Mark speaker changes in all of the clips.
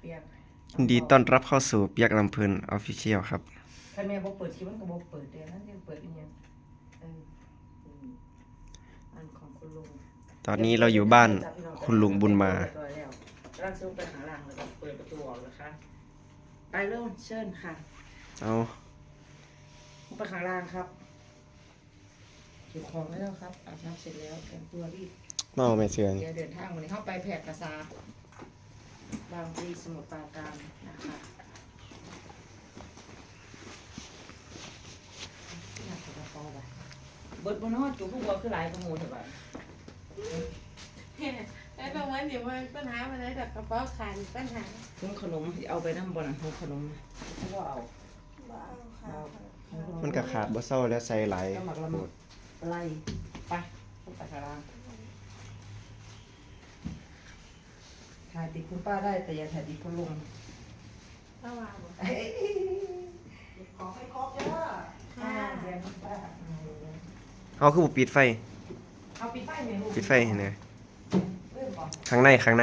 Speaker 1: ปียก
Speaker 2: ยินดีต้อนรับเข้าสู่เปียกลำเพลินออฟฟิเชียลครับ
Speaker 1: ถ้าแม่บ่เปิดคลิปมันก็บ่เปิดเดี๋ยวนั้นจะเปิดอีหยังอันของคุณลุง
Speaker 2: ตอนนี้เราอยู่บ้านคุณลุงบุญมา
Speaker 1: กำลังซื้อไปข้างล่างแล้วก็เปิดประตูออกนะคะไปเริ่มเชิญค่ะ
Speaker 2: เอา
Speaker 1: ไปข้างล่างครับเก็บของได้แล้วครับอาบน้ำเสร็จแล้วแต่งตัวรีบ
Speaker 2: เมาไม่เชื่อง
Speaker 1: เดี๋ยวเดินทางวันนี้เข้าไปแพร่กษาบางพลีสมุทรปราการนะคะอยากจะกระเป๋าไปเบิดบนนอจุกลูกบัวคือหลายขโมยเถอะไป
Speaker 3: แล้วตรงนั้นเดี๋ยวมันปัญหามันได้แต่กระเป๋าขาดปัญหา
Speaker 1: ถุงขนมเอาไปน้ำบนถุงขนมเขาก็เอา
Speaker 3: บ้าค่ะ
Speaker 2: มันก็ขาดบ่เศร้าแล้วใส่หลาย
Speaker 1: ก็หมักละ
Speaker 2: โห
Speaker 1: มุ
Speaker 2: ด
Speaker 1: ดไล่ไปขึ้นไปข้างล่างถ่ายติดคุณป้าได้แต่อย่าถ่ายติดคุณลุง
Speaker 3: ระหว่าง
Speaker 1: ขอให้ครบเยอะเรียนคุณป้า
Speaker 2: เอาคือบ่ปิดไฟ
Speaker 1: เอาปิดไฟไหมลูก
Speaker 2: ปิดไฟเห็นไหม
Speaker 1: เริ่มก่อน
Speaker 2: ข้างใน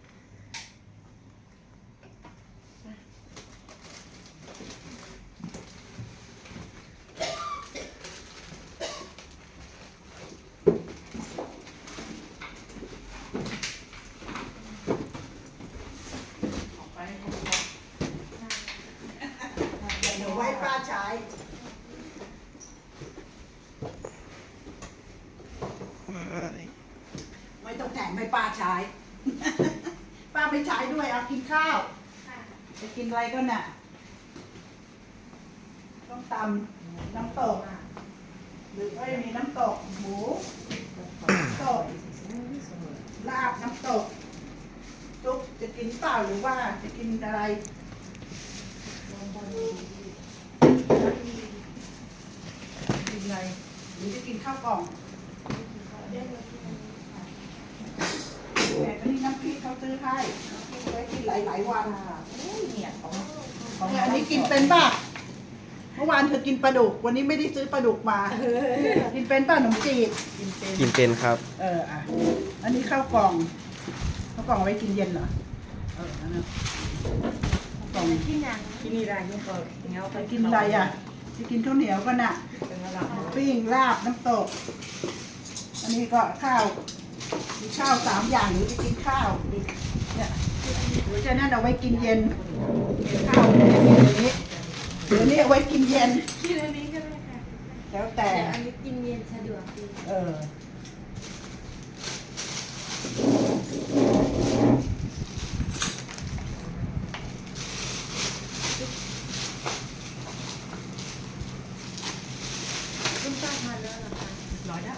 Speaker 1: ออกไปให้ครบ
Speaker 4: เดี๋ยวไว้ป้าใช้ ไม่ต้องแต่งไม่ป้าใช้ ป้าไม่ใช้ด้วยเอากินข้าวจะกินอะไรก็น่ะต้องตำน้ำตกหรือไม่มีน้ำตกหมูน้ำตกลาบน้ำตกจุ๊บจะกินเปล่าหรือว่าจะกินอะไรกินอะไรหรือจะกินข้าวกล่องแต่ก็นี่น้ำพริกเขาซื้อให้น้ำพริกไว้กินหลายๆวัน
Speaker 1: เนี่ยของ
Speaker 4: เนี่ยอันนี้กินเป็นป่ะ เมื่อวานเธอกินปลาดุก วันนี้ไม่ได้ซื้อปลาดุกมา กินเป็นป่ะขนมจีบ
Speaker 2: กินเป็นครับ
Speaker 4: อ่ะ อันนี้ข้าวกล่อง ข้าวกล่องเอาไว้กินเย็นเหรอ อันนั้นข้าวกล่อง
Speaker 3: ที่หนัง
Speaker 1: ที่นี่ได้นี่ก็เงี้ย
Speaker 4: ไปกินอะไรอ่ะจะกินข้าวเหนียวก็น่ะ
Speaker 1: เป็นระดับ
Speaker 4: ปิ้งลาบน้ำตก อันนี้ก็ข้าวมีข้าว3 อย่างหรือจะกินข้าวอีกเนี่ยหรือจะนั่นเอาไว้กินเย็นข้าวเนี่ยเดี๋ยวนี้เอาไว้กินเย็น
Speaker 3: ที่อันนี้ก็ได้ค่ะ
Speaker 4: แล้วแต่
Speaker 3: แต่อันนี้กินเย็นสะดวกดี
Speaker 4: เออ
Speaker 3: คุณป้าทานแล้วเหรอคะ
Speaker 4: ร้อยได้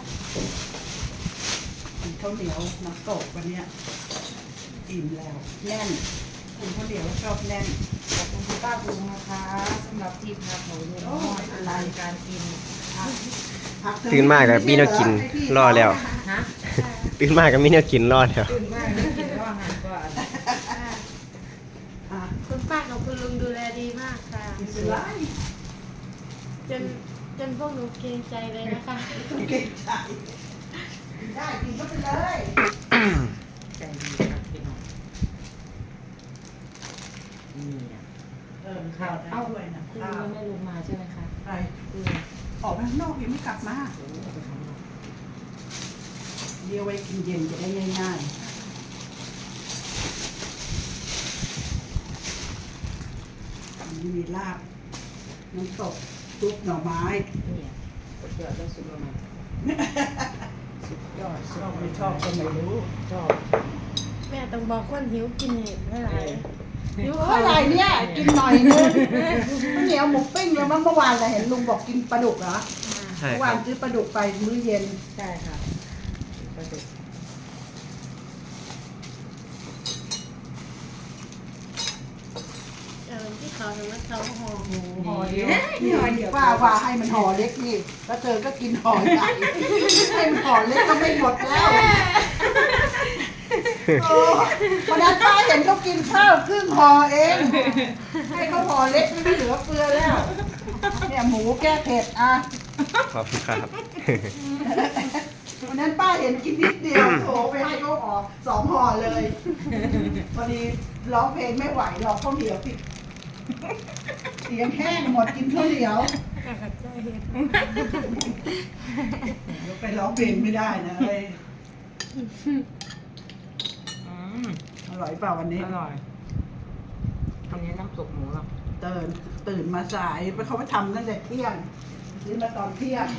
Speaker 4: กินข้าวเหนียวน้ำตกวันเนี้ยอิ่มแล้วแน่นกินข้าวเหนียวชอบแน่น
Speaker 1: ขอบคุณคุณป้าบุญนะคะสำหรับที่พักของลุงน้อยอะไรการกิน
Speaker 4: ผักเธอ
Speaker 2: ตื่นมากกับมีแนวกินรอแล้ว
Speaker 1: ฮะ
Speaker 2: ตื่นมากกับมีแนวกินรอแล้ว
Speaker 1: ตื่นมากนะกินว่าอาหารก่อน
Speaker 4: อ่ะ
Speaker 3: คุณป้ากับคุณลุงดูแลดีมากค่ะ
Speaker 4: กินเสือ
Speaker 3: จนพวกหนูเกรงใจเลยนะคะ
Speaker 4: ต้องเก่งใจกินได้กินก็ไปเลย
Speaker 1: ใจดีครับพี่น้องนี่อ่ะ
Speaker 4: ข้าวได้ด้วยนะ
Speaker 1: คุณ
Speaker 4: ข้า
Speaker 1: ลุ
Speaker 4: ว
Speaker 1: งไม่ลงมาใช่ไหมคะ
Speaker 4: ไป
Speaker 1: คือ
Speaker 4: ออกไปข้างนอกยังไม่กลับมา
Speaker 1: โอ้โหเอาไปทำอะไร
Speaker 4: เดี๋ยวไว้กินเย็นจะได้ง่ายๆอันนี้มีลาบน้ำตกซุปหน่อไม้
Speaker 1: เนี่ยสุดยอดแล้วสุดยอดมากสุดยอด
Speaker 4: ชอบไม่ชอบก็ไม่รู้
Speaker 1: ชอบ
Speaker 3: แม่ต้องบอกคนหิวกินเห็ดไม่ไรหิว
Speaker 4: เท่าไหร่เนี่ยกินหน่อยนึงข้าวเหนียวหมูปิ้งแล้วมั้งเมื่อวานเราเห็นลุงบอกกินปลาดุกเหรอ
Speaker 2: ใช่
Speaker 4: เมื่อ
Speaker 2: คว
Speaker 4: า
Speaker 2: รั
Speaker 4: น
Speaker 2: บ
Speaker 4: ซื้อปลาดุกไปมื้อเย็น
Speaker 1: ใช่ค่ะปลาดุก
Speaker 3: ที่เขาทำว่าเขาห่อหมู
Speaker 4: ห่อเดียวนี่ว่าให้มันห่อเล็กนี่แล้วเธอก็กินห่อใหญ่ให้มันห่อเล็กก็ไม่หมดแล้วโอ้วันนั้นป้าเห็นเขากินข้าวครึ่งห่อเอง ให้เขาห่อเล็กไม่เหลือเฟือแล้ว เนี่ยหมูแก้เผ็ดอ่ะ
Speaker 2: ขอบคุณครับ
Speaker 4: วันนั้นป้าเห็นกินนิดเดียวโถไปให้เขาออก2 ห่อเลยพอดีร้องเพลงไม่ไหวหรอกข้าวเหนียวติดเสียงแห้งหมดกินข้าวเหนียว
Speaker 3: กระจายเห็ด
Speaker 4: เดี๋ยวไปร้องเพลงไม่ได้นะเลย
Speaker 1: อืม
Speaker 4: อร่อยเปล่าวันนี้
Speaker 1: อร่อยอันนี้น้ำซุปหมูอ่ะ
Speaker 4: ตื่นมาสายไปเขาไปทำตั้งแต่เที่ยงซื้อมาตอนเที่ยง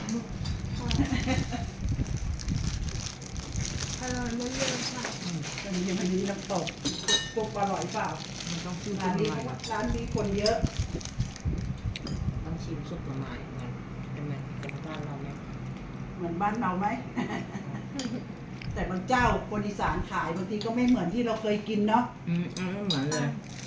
Speaker 3: อร่อยเยอะๆค่ะ
Speaker 4: ตอนนี้น้ำตกปุ๊บอร่อยเปล่า
Speaker 1: มันต้องชิม
Speaker 4: ร้านนี้
Speaker 1: ใหม่
Speaker 4: ร้านนี้คนเยอะ
Speaker 1: ต้องชิมซุปใหม่มันเป็นไงเป็นบ้านเราเนี่ย
Speaker 4: เหมือนบ้านเราไหม แต่บางเจ้าคนอีสานขายบางทีก็ไม่เหมือนที่เราเคยกินเนาะ
Speaker 1: ไม่เหมือนเลย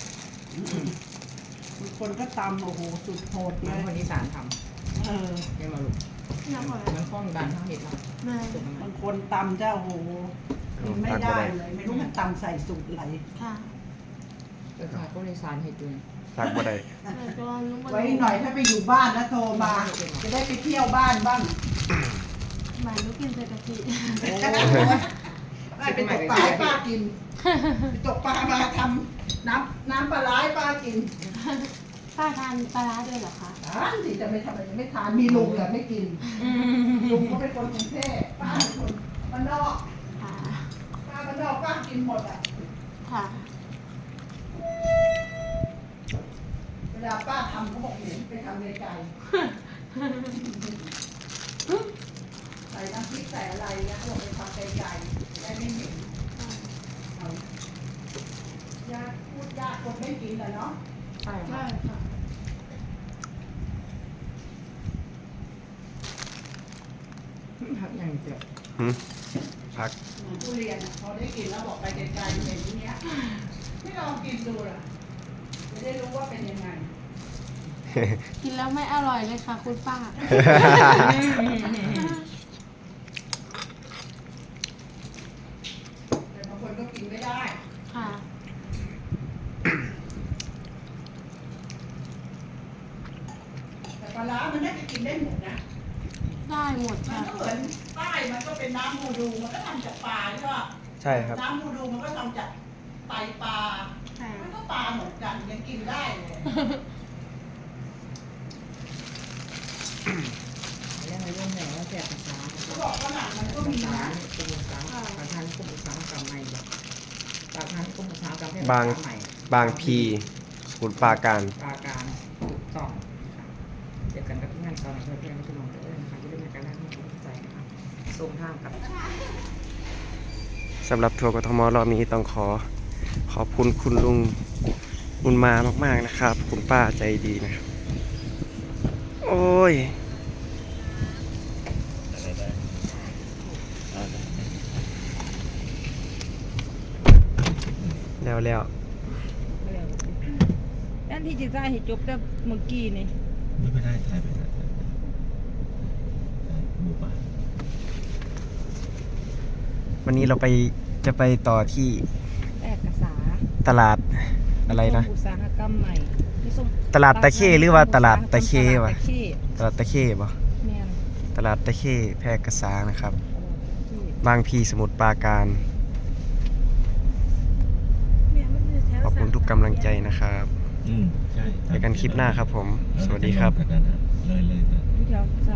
Speaker 4: บางคนก็ตำโอ้โหสุดโหด
Speaker 1: เห
Speaker 4: เล
Speaker 1: มือน
Speaker 4: ย
Speaker 1: คนอีสานท
Speaker 4: เออ
Speaker 1: ำเนี่ยมาลูก
Speaker 3: น้ำหอย
Speaker 1: มันข้องกันทั้งเห็ดเรา
Speaker 3: แม่
Speaker 1: สุกมัน
Speaker 4: บางคนตำเจ้าโอ้โหกินไม่ได้เลย ไม่รู้มันตำใส่สูตรอะไร
Speaker 3: ค่ะ
Speaker 1: เป็นขายคนอีสานเห็ดด้วย
Speaker 2: ทักบ่ได้
Speaker 3: แต่ก็รู้ว่า
Speaker 4: ไว้หน่อยถ้าไปอยู่บ้านนะโทรมา จะได้ไปเที่ยวบ้านบ้าง
Speaker 3: หมายรู้กินใส่กะทิ
Speaker 4: ได้ไปตกปลาให้ป้ากินไปตกปลามาทำน้ำปลาร้าให้ป้ากิน
Speaker 3: ป้าทานปลาร้าด้วยเหรอคะ
Speaker 4: ทานสิจะไม่ทำอะไรไม่ทานมีลุงแต่ไม่กินลุงเขาเป็นคนกรุงเทพป้าเป็นคนบ้านนอก
Speaker 3: ค่ะ
Speaker 4: ป้าบ้านนอกป้ากินหมดอ่ะ
Speaker 3: ค่ะ
Speaker 4: เวลาป้าทำเขาบอกเห็นไปทำไกลๆใส่น้ำพริกใส่อะไรนะเขาบอกไปทำไกลๆได้ไม่เหม็นเอายากพูดยากคนไม่กินแต่เนาะ
Speaker 1: ใช่
Speaker 3: ใช่ค่ะ
Speaker 1: ครับอย่างเดียว
Speaker 2: หืมพัก
Speaker 4: เหมือนทุเรียนอะพอได้กินแล้วบอกไปไกลๆเห็นอย่างเนี้ยไม่ลองกินดูล่ะจะได้รู้ว่าเป็นยังไง
Speaker 3: กินแล้วไม่อร่อยเลยค่ะ คุณป้า
Speaker 4: แต่บางคนก็กินไม่ได้
Speaker 3: ค่ะ
Speaker 4: แต่ปลาร้ามันน่าจะกินได้หมดนะ
Speaker 3: ได้หมด
Speaker 4: มัน
Speaker 3: ค่ะ
Speaker 4: ก็เหมือนใต้มันก็เป็นน้ำมูดูมันก็ทำจากปลาใช่ป่ะ
Speaker 2: ใช่ครับ
Speaker 4: น้ำมูดูมันก็ทำจากไตปลา
Speaker 3: ค่ะ
Speaker 4: มันก็ปลาเหมือนกันยังกินได้เลย
Speaker 1: เรื่องเรื่องแหน่แจกภาษา
Speaker 4: เขาบอกฝรั่งมันก็มี
Speaker 1: ภาษา
Speaker 4: นะ
Speaker 1: กลุ่มภาษาประธานกลุ่มภาษากรรมใหม่ประธานกลุ่มภาษากรรมใหม่
Speaker 2: บางพีสมุทรปราการ
Speaker 1: ปราการสองเจอกันกับที่งานตอนเพื่อนไม่ใช่มองเตอร์นะคะที่ได้มาการแรกที่ผมเข้าใจนะคะส่งทางกับ
Speaker 2: สำหรับทัวร์กทมรอบนี้ต้องขอบคุณคุณลุงบุญมามากๆนะครับ คุณป้าใจดีนะครับ โอ้ย แล้ว
Speaker 1: ด้านที่จะได้ให้จบแต่เมื่อกี้นี่
Speaker 5: ไม่ได้ถ่ายไปนะถ่ายหมู่บ้าน
Speaker 2: วันนี้เราจะไปต่อที่
Speaker 1: แรกภาษา
Speaker 2: ตลาดอะไรนะ
Speaker 1: อุตสาหกรรมใหม่ที่ส่ง
Speaker 2: ตลาดตะเข้หรือว่าตลาดตะเควะ
Speaker 1: ตลาดตะเข้
Speaker 2: ตลาดตะเข้ปะ
Speaker 1: แม่น
Speaker 2: ตลาดตะเข้แพร่กษานะครับ
Speaker 1: ตลาดตะเข้
Speaker 2: บางพีสมุทรปราการ ขอบคุณทุกกำลังใจนะครับ
Speaker 5: ใช่
Speaker 2: เจอกันคลิปหน้าครับผม สวัสดีครับ
Speaker 5: เลยนะ
Speaker 1: ที่แถว